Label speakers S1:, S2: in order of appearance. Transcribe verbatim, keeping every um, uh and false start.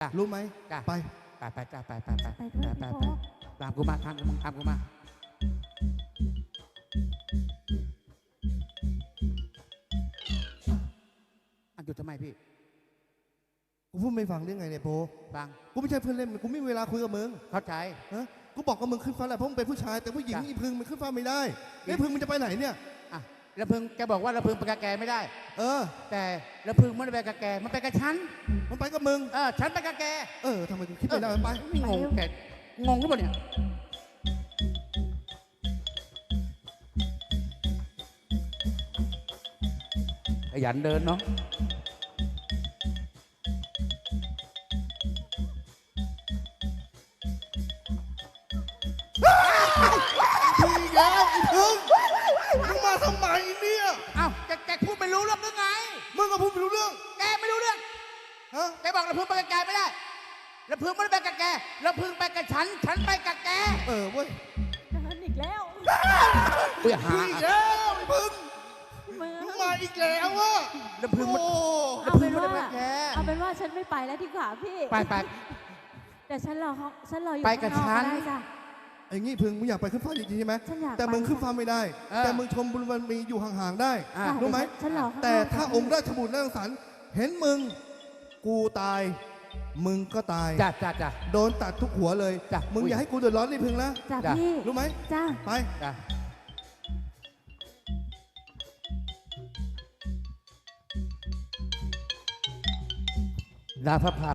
S1: รู้ไหมไป
S2: ไปไปจ้าไปไปไปไป
S3: ไปด้วย
S2: ไป
S3: พี่
S2: ไป
S3: โป๊
S2: ตามกูมาทางกูมาตามกูมาอันหยุดทำไมพี่
S1: กูพูดไม่ฟังได้ไงเนี่ยโพ
S2: ฟัง
S1: กูไม่ใช่เพื่อนเล่นกูไม่มีเวลาคุยกับมึง
S2: เข้าใจ
S1: ฮะกูบอกกับมึงขึ้นฟ้าแหละเพราะมึงเป็นผู้ชายแต่ผู้หญิง
S2: จ้ะ
S1: อีพึงมันขึ้นฟ้าไม่ได้ไอ้พึงมันจะไปไหนเนี่ย
S2: อ่ะแล้วพึงแกบอกว่าแล้วพึงไปกับแกไม่ได้
S1: เออ
S2: แต่แล้วพึงไม่ได้ไปกับแกมันไปกับฉัน
S1: มันไปกับมึง
S2: เออฉันไปกับแก
S1: เออทำไมกูคิดไม่ได้ไป
S2: ไม่งงแกงงหรือเปล่าเนี่ยขยันเดินเนาะ
S1: พี่แกไอ้พึงมึงมาทำไมเนี่ย
S2: เอ้าแกแกพูดไม่รู้เรื่องหรือไง
S1: มึงก็พูดไม่รู้เรื่อง
S2: แกไม่รู้เรื่อง
S1: ฮะ
S2: แกบอกแล้วพึงไปกับแกไม่ได้แล้วพึงไม่ได้ไปกับแกแล้วพึงไปกับฉัน ฉันไปกับแก
S1: เออเว้ย
S3: เดินอีกแล้ว
S2: เพื่อหา
S1: พี่แกไอ้พึง
S3: มือ
S1: มึงมาอีกแล้ววะ
S2: แล้วพึงมัน
S1: โอ้
S3: เอาเป็นว่า
S2: แล้วพึงไม่ได้ไปแก
S3: เอาเป็นว่าฉันไม่ไปแล้วดีกว่าพี่
S2: ไปไป
S3: แต่ฉันรอเขาฉันรออยู่
S2: ไปกับ
S3: ข้างนอก
S2: ฉัน
S3: ก็ได้จ้ะ
S1: ไอ้งี้พึงมึงอยากไปขึ้นฟ้าจริงๆใช่ไหม
S3: ฉันอยาก
S1: แต่มึง
S3: ไป
S1: ขึ้นฟ้าไม่ได้
S2: เออ
S1: แต่มึงชมบุญวันมีอยู่ห่างๆได้
S2: อ่ะ
S3: จ้ะ
S1: รู้ไหม
S3: ฉันรอข้างนอก
S1: แต่ถ้า
S3: จ้ะ
S1: องค์ราชบุตรและรังสรรค์เห็นมึงกูตาย มึงก็ตาย
S2: จ้าจ้าจ้า
S1: โดนตัดทุกหัวเลย
S2: จ้ะ
S1: มึง
S2: อุ๊ย
S1: อย่าให้กูเดือดร้อนนี่พึงนะ
S3: จ้ะ
S2: จ้ะ
S3: พี่
S1: รู้ไหม
S3: จ้า
S1: ไป
S2: จ้าลาพระพา